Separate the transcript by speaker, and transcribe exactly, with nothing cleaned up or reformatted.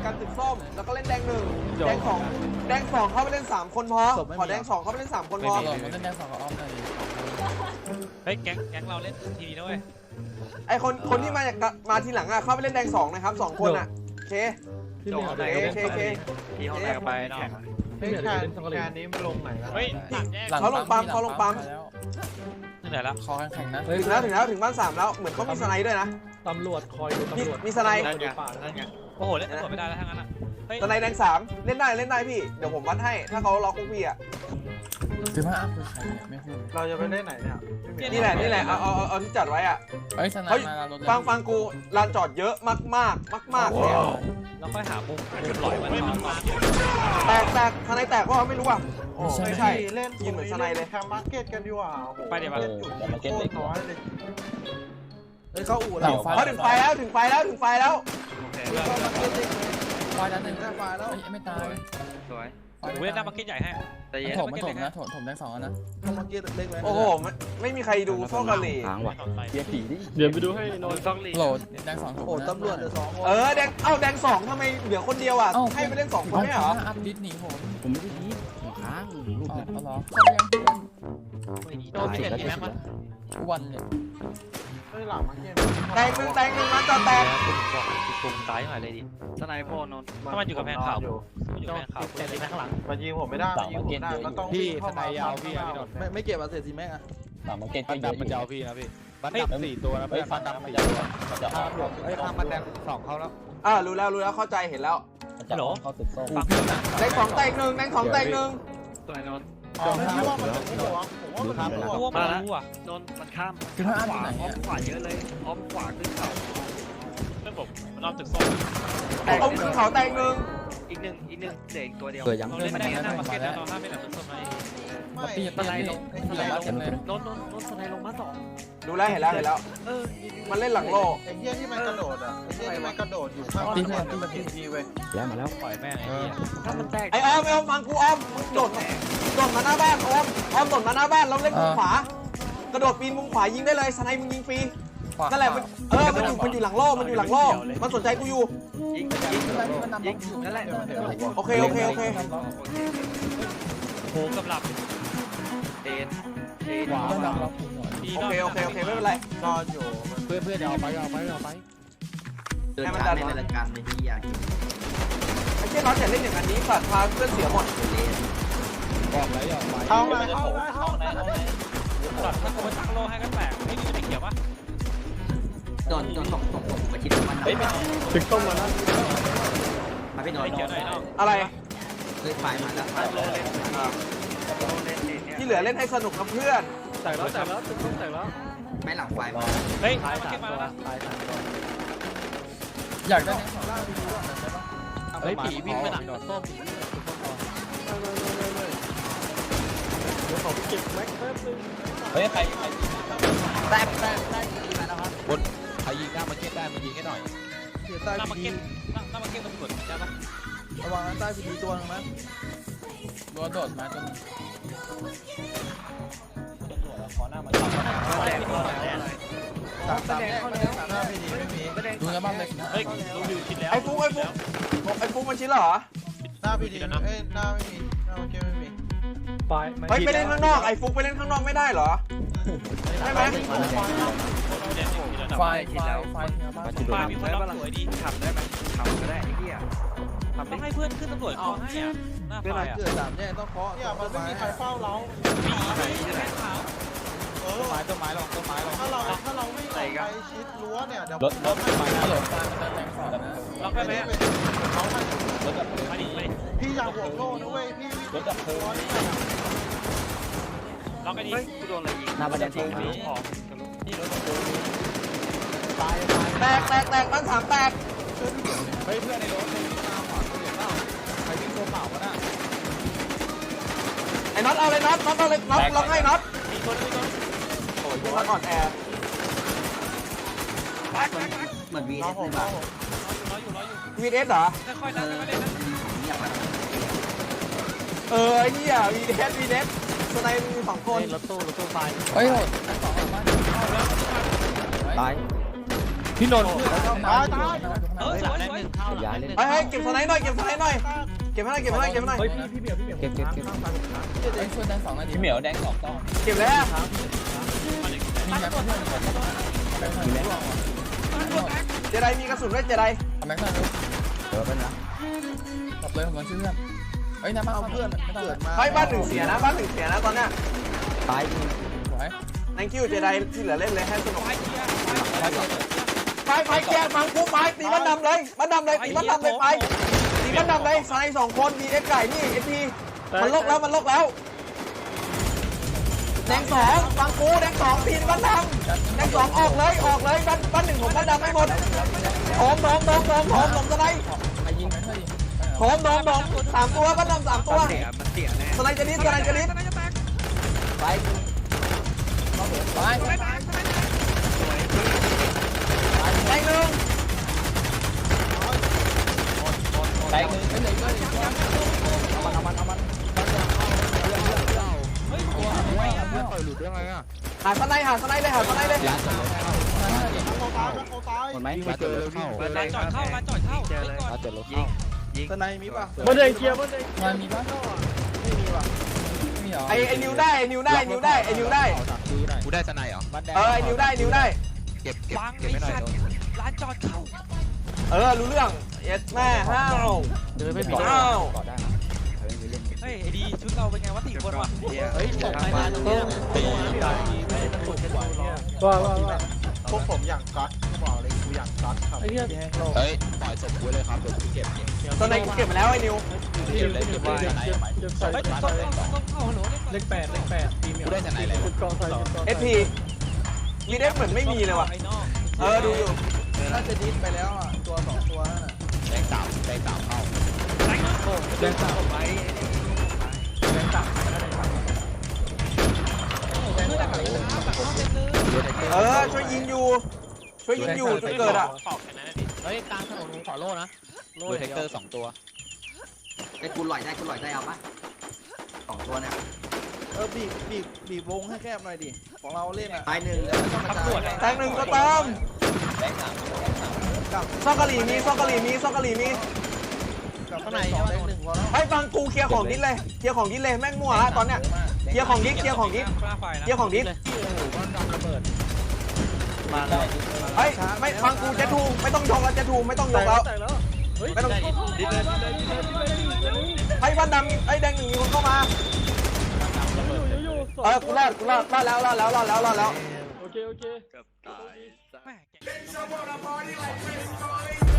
Speaker 1: กันตึกส้มแล้วก็เล่นแดงหนึ่งแดงสองแดงสองเข้าไปเล่นสามคนพอขอแดงสองเข้าไปเล่นสามคนพอ
Speaker 2: หลงมันเล่นแดงสองกับอ้อมเลย
Speaker 3: เฮ้ยแก๊งแก๊งเราเล่นทีนี้ด้วย
Speaker 1: ไอคนคนที่มาจากมาทีหลังอ่ะเข้าไปเล่นแดงสองนะครับสองคนอ่ะโอเค
Speaker 4: พี่ไม่เอา
Speaker 1: โอ
Speaker 4: ได้
Speaker 1: เคโอเคโอเค
Speaker 3: ทีห้องไหนก็ไปเนาะ
Speaker 4: ไม่อยากเล่นสังกัด
Speaker 5: งานนี้มันลงไหนแล้ว
Speaker 3: เฮ้ยสามแยก
Speaker 1: เขาลงปั๊มเขาลงปั๊ม
Speaker 3: ที่ไหนละ
Speaker 2: คอแข็งนะ
Speaker 1: ถึงแล้วถึงแล้วถึงบ้านสามแล้วเหมือนเขามีสไนด์ด้วยนะ
Speaker 4: ตำรวจคอยดูตำรวจ
Speaker 1: มีสไนด์
Speaker 3: นั่นไงนั่นไงโอ้โหเล่นตำรวจไม่ได้แล้วทั้งนั้นอ่ะเฮ้ย
Speaker 1: สไนด์แดงสามเล่นได้เล่นได้พี่เดี๋ยวผมวัดให้ถ้าเขาล็อกคุกพี่อ่ะ
Speaker 2: คือว่าอ้าวคือใครไม่พูด
Speaker 5: เราจะไปเล่นไหนเนี่ย
Speaker 1: นี่แหละนี่แหละเอาเอาเอาที่จัดไว้อ่ะ
Speaker 2: เฮ้ยสนามมาลด
Speaker 1: ฟังฟังกูลานจอดเยอะมากมากมากมากเลย
Speaker 3: เราค่อยหามุมมุมหลอยมันมา
Speaker 1: แตกแตกทนายแตกก็ไม่รู้อ่ะโอ้ไม่ใช่
Speaker 5: เล่น
Speaker 1: ยิงเหมือนสไนเลย
Speaker 5: แคมมาร์เก็ตกันดีกว่าโอ้โห
Speaker 3: ไปเดี๋ยวมา
Speaker 5: เล่นจุดโคตรน้อยเลย
Speaker 4: เฮ้ยเข้าอู่
Speaker 2: ห
Speaker 4: แล้
Speaker 2: ลั
Speaker 4: ว
Speaker 2: งไฟ
Speaker 1: เขาถึงไฟแล้วถึงไฟแล้วถึงไฟแล้ว
Speaker 3: โอเค
Speaker 2: ไฟนั้นหนึ่ง
Speaker 4: หน้าไฟแล้ว
Speaker 2: ไม่ตาย
Speaker 3: สวยกูเล่นหน้ามาร์เก็ตใหญ่ให้แต่
Speaker 2: มัน
Speaker 3: เย็น
Speaker 2: ถมมันถมนะถมถมแดงสองนะ
Speaker 4: เข้ามาเกียร์เล็กเลย
Speaker 1: โอ้โหไม่ไม่มีใครดูโซ่กะหรี่
Speaker 3: เบียร์ผีดิ
Speaker 4: เดี๋ยวไปดูให้น
Speaker 3: โด
Speaker 4: อน
Speaker 3: นต้องรี
Speaker 2: โหลดแดงสองถม
Speaker 4: โอ้ตำรวจเหลือสองคน
Speaker 1: เออแดงเอ้าแดงสองทำไมเหลือคนเดียวอ่ะให้ไปเล่นสองคนไม่เหรอ
Speaker 2: อัพดิสหนีผม
Speaker 6: ผมไม่ได้ดีผมค้างลูก
Speaker 2: อ๋อ
Speaker 6: เนี่ย
Speaker 2: เหรอเขายัง
Speaker 3: โดนมีแต่ทีแม็กมั้ย
Speaker 2: วันเลย
Speaker 5: เฮ้ยหลังมาร์เก็ต
Speaker 1: แตกหนึ่งแตกหนึ่งมันจอดแตก
Speaker 3: บอกตุ่มตายหน่อยเลยดิสไนโฟนนนถ้ามันอยู่กับแพงขาวอยู่กับแพงขาวแต่ทีแม็กข้างหลัง
Speaker 5: มันยิงผมไม่ได้มันยิงผมไม่ได้มันต้อง
Speaker 4: พี่
Speaker 5: เข้า
Speaker 4: ท
Speaker 5: มาน
Speaker 4: ายยาวพี่อะพี่นนท์ไม่ไม่เก็บอาเซซีแม็กอะ
Speaker 6: สามมาร์เก็ต
Speaker 4: บันดับมันจะเอาพี่นะพี่บันดับสี่ตัวนะ
Speaker 6: เฮ้ย
Speaker 4: พี่
Speaker 6: ฟั
Speaker 4: บั
Speaker 6: น
Speaker 4: นดั
Speaker 6: ดั
Speaker 4: บบ
Speaker 6: มัน
Speaker 4: สี่
Speaker 6: จะ
Speaker 4: ตัว
Speaker 6: มันจะ
Speaker 4: ข้ามหลบเฮ้ยข้ามมันแดงสองเข้าแล้ว
Speaker 1: อ่ารู้แล้วรู้แล้วเข้าใจเห็นแล้ว
Speaker 6: มันจะเข้าตึกส้ม
Speaker 3: ฟัง
Speaker 1: แดงสองแตกหนึ่งแดงสองแตกหนึ่ง
Speaker 3: ตัวนน
Speaker 5: อ๋อไม่คิดว่ามันจะไม่หลวงผมว่ามันไม่หลวง
Speaker 3: มาแล้วนนมันข้าม
Speaker 2: คือถ้าอัพที่ไหน
Speaker 3: อ้อมขวาเยอะเลยอ้อมขวาขึ้นเขาเพื่อนผมมันรอบตึกส้ม
Speaker 1: แตกขึ้นเขาแตกหนึ่ง
Speaker 3: อีกหนึ่งอีกหนึ่งเด็กตัวเดียว
Speaker 6: เกิดยัง
Speaker 3: เราเล่นไม่ได้นะมาร์เก็ตเราห้ามไม่ได้ตึกส้มไหม
Speaker 5: ไม่
Speaker 2: ปีปีปีปีละเต็มเลย
Speaker 3: นนนนนสไนลงมาสอง
Speaker 1: ดูแล้วเห็นแล้วเห็นแล้ว
Speaker 3: เออ
Speaker 1: มันเล่นหลังโล
Speaker 5: ไอ้เหี้ยที่มันกระโดดอ่ะไอ้เหี้ยที่มันกระโดดอยู่ข้างหลังมันมันทีทีเว้ย
Speaker 6: แล้วมาแล้ว
Speaker 3: ปล่อยแม่งไอ้เหี้ยถ้ามันแตก
Speaker 1: ไอ้ออมไอ้ออมฟังกูออมมึงโดดโดดมาหน้าบ้านออมออมโดดมาหน้าบ้านเราเล่นมุมขวากระโดดปีนมุมขวายิงได้เลยสไนมึงยิงฟรีนั่นแหละมันเออมันอยู่มันอยู่หลังโลมันอยู่หลังโลมันสนใจกูอยู่
Speaker 3: ยิงยิงยิงนั่นแหละ
Speaker 1: โอเคโอเคโอเค
Speaker 3: โผล่กับหลับเอ็นเอ็น
Speaker 2: ขวาเราเราผูกหน่อย
Speaker 1: โอเคโอเคโอเคไม่เป็นไร
Speaker 5: นอนอยู่
Speaker 4: เพื่อนเพื่อนเดี๋ยวเอาไปเอาไปเอาไป
Speaker 6: เดินการในรายการในที่อยาก
Speaker 1: ไอ้เจ้าน้องอย่าเล่นอย่างนี้สัตว์พาเพื่อนเสียหมด
Speaker 4: บอกแล้วอย่าไป
Speaker 5: เข้ามาเข้ามาเข้ามา
Speaker 3: ตัดถ้ากูมาตั้งโลให้กันแตกไม่มีไม่เกี่ยวปะ
Speaker 6: โดนโดนตกตกตกมาคิดว่ามันเฮ้ยไม่
Speaker 4: ถึงต้มมาแล้ว
Speaker 6: มาพี่นอน
Speaker 3: ไม่เกี่ยวหน่อยเนาะ
Speaker 1: อะไร
Speaker 6: เคยไฟมาแล้วไฟ
Speaker 3: โลเล่นโลเล่นเนี่ย
Speaker 1: ที่เหลือเล่นให้สนุกกับเพื่อน
Speaker 4: แตกแล้วแตกแล้วถึงต้มแตกแล้ว
Speaker 6: ไม่หลังไฟมา
Speaker 3: เฮ้ย
Speaker 4: ตาย
Speaker 3: มา
Speaker 4: สา
Speaker 3: เก็
Speaker 4: ม
Speaker 3: บมา
Speaker 4: ตัว
Speaker 3: แล้ว
Speaker 4: ตายสามตัว
Speaker 2: อยากได้แดงสอง
Speaker 4: เฮ้ยผีวิ่งไปหนักโดดส้มเดี๋ยวขอไปเก็บแม็กแป๊บนึง
Speaker 6: เฮ้ยใครใคร
Speaker 4: แตกแตกแตกยิงมาแล้วครับบนใครยิงหน้ามาเก็ตได้มายิงให้หน่อยเสียใต้
Speaker 3: หน้ามา
Speaker 4: พี
Speaker 3: เก็ต
Speaker 4: ดี
Speaker 3: หน้ามาเก็ตมันกดใช่ปะ
Speaker 4: ระวังใต้พีดีตัวนึงนะ
Speaker 2: โดนโดดมาจน
Speaker 3: ขอหน้ามันแดงแดง
Speaker 4: สามสามแยกสามหน้าพีดีไม่มี
Speaker 2: ดูแล้วบ้างเลยนะ
Speaker 3: เฮ้ยรู้อยู่คิดแล้ว
Speaker 1: ไอ้ฟุกไอ้ฟุกไอ้ฟุกมันชิ้นเหรอ
Speaker 5: หน้าพีดีเอ้ยหน้าไม่มีหน้าเกมไม่มี
Speaker 4: ไป
Speaker 1: เฮ้ยไปเล่นข้างนอกไอ้ฟุกไปเล่นข้างนอกไม่ได้เหรอใช่ไหม
Speaker 2: ไฟไฟไฟเนื้อบ้าน
Speaker 3: ปามีคนรับสวยดีทำได้ไหมทำก็ได้ไอ้เหี้ยทำต้องให้เพื่อนขึ้นตำรวจเขาให้อ่ะหน้า
Speaker 4: เว
Speaker 3: ไฟ
Speaker 4: ลา
Speaker 3: อ่ะ
Speaker 4: เกิดสามแยกต้องเคาะ
Speaker 5: เนี่ยมันไม่มีใครเฝ้าเรา
Speaker 3: มีไหนจะได้ขาว
Speaker 5: เออ
Speaker 4: ต้นไม้ต้นไม้ลงต้นไม้ลง
Speaker 5: ถ้าเราถ้าเราไม่ไปชิดรั้วเนี่ยเดี๋ยว
Speaker 4: รถรถต้นไม้
Speaker 2: ฮัลโหล
Speaker 4: นะ
Speaker 2: กลางมันแดงสองนะ
Speaker 3: ล็อกได้ไหม
Speaker 5: เขาให้
Speaker 4: รถดับเพลิง
Speaker 3: มาดิมาดิ
Speaker 5: พี่อยากห่วงโลนะเว้ยพี่
Speaker 4: รถดับเพลิง
Speaker 3: ล็อกไอ้นี่กูโดนอะไรยิง
Speaker 6: หน้าประเด็น
Speaker 3: จริงมีของนี่รถ
Speaker 4: ตายตาย
Speaker 1: แตกแตกแตกบ้านสามแตก
Speaker 4: เฮ้ยเพื่อนในรถในวิ่งมาขวาเห็นเปล่าใครวิ่งตัวเปล่าวะน่ะ
Speaker 1: ไอ้น็อตเอาเลยน็อตน็อตเอาเลยน็อตล็อกให้น็อต
Speaker 3: มีคนมีคน
Speaker 1: โอ้ยน็อตอ่อนแอ
Speaker 6: เหมือนวี
Speaker 5: น้
Speaker 6: เอ
Speaker 5: อง
Speaker 6: ส
Speaker 5: ผม
Speaker 6: เลย
Speaker 5: น้อ
Speaker 6: ป่ะ
Speaker 5: งผม
Speaker 3: ร้อยอยู่ร้อยอยู่
Speaker 1: วีเอสเหรอ
Speaker 3: ค่อยๆนะค่อยๆเล่นนะ
Speaker 6: เงียบไป
Speaker 1: เออไอ้เหี้ยวีเอสวีเอสสไนมีสองคน
Speaker 4: รถตู้รถตู้ตาย
Speaker 2: เฮ้ยโหดแดงสองบ้าน
Speaker 4: ตาย
Speaker 2: พี่นนท์
Speaker 5: ตายตาย
Speaker 3: เออสวยสวย
Speaker 6: ย้ายเล่น
Speaker 1: เฮ้ยเฮ้ยเก็บสไนด์หน่อยเก็บสไนด์หน่อยเก็บให้หน่อยเก็บให้หน่อยเก็บให้หน่อย
Speaker 2: เฮ้ยพี่พี่เบียร์พี่เบียร์
Speaker 6: เก็บเก็บเก็บ
Speaker 2: เฮ้ยช่วยแดงสองนาทีพี่เหมียวแดงสองต้อง
Speaker 1: เก็บแล้ว
Speaker 2: มีแม็กซ์เพื่อนแม็กซ์
Speaker 6: มีแม็ก
Speaker 1: เจไดมีกระสุนด้วยเจได
Speaker 2: แม็กซ์หน่อย
Speaker 6: เดี๋ยวเป็นนะ
Speaker 2: ตบเลยผมมาช่วยเพื่อนเฮ้ยน้ำมาเอาเพื่อนไม่ต้อง
Speaker 5: เกิ
Speaker 2: เล
Speaker 5: ด
Speaker 2: ย
Speaker 5: มา
Speaker 1: เฮ้ยบ้านหนึ่งเสียนะบ้านหนึ่งเสียนะตอนเนี้ย
Speaker 6: ตาย
Speaker 2: สวย
Speaker 1: thank you เจไดที่เหลือเล่นเลยให้สนุก
Speaker 3: ไปเกียร์
Speaker 1: ไปไปแกฟังกูไปตีบ้านดำเลยบ้านดำเลยตีบ้านดำเลยไปตีบ้านดำเลยสไนด์สองคนมีเอ็กไก่นี่เอพีมันลกแล้วมันลกแล้วแดงสองฟังกูแดงสองตีบ้านดำแดงสองออกเลยออกเลยบ้านบ้านหนึ่งผมบ้านดำไม่หมดโถมโถมโถมโถมโถมโถมสไนด์
Speaker 2: ไปยิงแม็กซ์หน่อยดิ
Speaker 1: โถมโถมโถมสามตัวบ้านดำสามตัว
Speaker 3: เสียมันเสียแน่
Speaker 1: สไนด์จะนิดสไนด์จะนิด
Speaker 6: ไป
Speaker 2: ไป
Speaker 1: แดงหนึ่ง
Speaker 2: แดงหนึ่งเป็นเลยก็ดี
Speaker 6: มันเอามันเอามัน
Speaker 3: เฮ้ยตัว
Speaker 2: ไม่เอาเพื่อน
Speaker 4: ต่อยหลุดได้ไงอ่ะ
Speaker 1: หาสไนด์หาสไนด์เลยหาสไนด์เลย
Speaker 4: ร้านจอด
Speaker 5: โคตายโคตาย
Speaker 6: หมดไหม
Speaker 4: ร้านจอดรถเข้า
Speaker 3: ร้านจอดเข้าร้านจอดเข้าเจอเลย
Speaker 4: ร้านจอดรถเข้า
Speaker 5: สไนมีป่ะ
Speaker 2: บนเดินเคลียร์บนเดินมันมีป่ะ
Speaker 5: ไม่มีว่ะ
Speaker 2: ไม่มีเหรอ
Speaker 1: ไอไอนิวได้ไอนิวได้นิวได้ไอนิวได้
Speaker 4: กูได้สไนเหรอ
Speaker 1: เออไอนิวได้นิวได้
Speaker 4: เก็บเก็บ
Speaker 3: วาง
Speaker 4: เก็บ
Speaker 3: ไอ้
Speaker 4: ไม่หน่อย
Speaker 3: สัตว์ร้านจอดเข้า
Speaker 1: เออรู้เรื่องเอ็ดแม่ห้าว
Speaker 6: เดินไม่มี
Speaker 1: ห้าว
Speaker 6: ก่อได้นะเฮ้ยมีเล่น
Speaker 3: เฮ้ยไอ้ดีชุดเราเป็นไงวะสี่คนวะ
Speaker 6: เฮ้ยตกไปมาตรงนี้
Speaker 2: ว่าว่าว่า
Speaker 5: พวกผมอย่างก๊อตบอกเลยกูอย่างก๊อตครับ
Speaker 2: ไอ้เนี่ย
Speaker 4: เฮ้ยปล่อยศพกูเลยครับเดี๋ยวกูเก็บเก็บ
Speaker 1: ตอนไหนกูเก็บมาแล้วไอนิว
Speaker 2: เก็บเลยเก็บเลยเก็บเก็บเก็บใส่
Speaker 3: เฮ้ยต้นต้นต้นเข้าฮัลโหล
Speaker 2: เลขแปดเลขแปดปีเมีย
Speaker 4: กูได้สไนอะไรวะ
Speaker 2: กองใส่
Speaker 1: เอสพีมีเด็กเหมือนไม่มีเลยว่ะ
Speaker 3: ไอ้นอก
Speaker 1: เออดูอยู่
Speaker 5: น่าจะดิ้นไปแล้วอ่ะตัวสองตัวนั่นน่ะ
Speaker 4: แดงสามแดงสามเข้า
Speaker 2: แดงสาม
Speaker 3: ไป
Speaker 2: แดงสามแดงสาม
Speaker 1: เออช่วยยิงอยู่ ช่วยยิงอยู่จุดเกิดอ่ะ
Speaker 2: เฮ้ยกลางถนนขอโล่นะ
Speaker 4: โดยเทคเตอร์สองตัว
Speaker 6: ไอ้กูลอยได้กูลอยได้เอาปะสองตัวเนี่ย
Speaker 5: เออบีบบีบบีบวงให้แคบหน่อยดิของเราเล่นอ่ะ
Speaker 6: ตายหนึ่ง
Speaker 5: แล้วไม่ต้องมาจ่าย
Speaker 1: แทงหนึ่งก็เติมซอกกะหรี่มีซอกกะหรี่มีซอกกะหรี่มี
Speaker 5: กับข้างในสองเด้งหนึ่งพอแล้ว
Speaker 1: ให้ฟังกูเคลียร์ของดิสเลยเคลียร์ของดิสเลยแม่งมั่วละตอนเนี้ยเคลียร์ของดิสเคลียร์ของดิส
Speaker 3: กล้าไฟนะ
Speaker 1: เคลียร์ของดิส
Speaker 2: มาเลย
Speaker 1: เฮ้ยไม่ฟังกูเจทูไม่ต้องยกแล้วเจทูไม่ต้องยกแล้ว ไม่ต้อง
Speaker 3: ดิเลย
Speaker 1: ให้บ้านดำไอ้แดงหนึ่งมีคนเข้ามาเออกูรอดกูรอดรอดแล้วรอดแล้วรอดแล้วรอดแล้ว
Speaker 2: โอเคโอเค
Speaker 3: แม่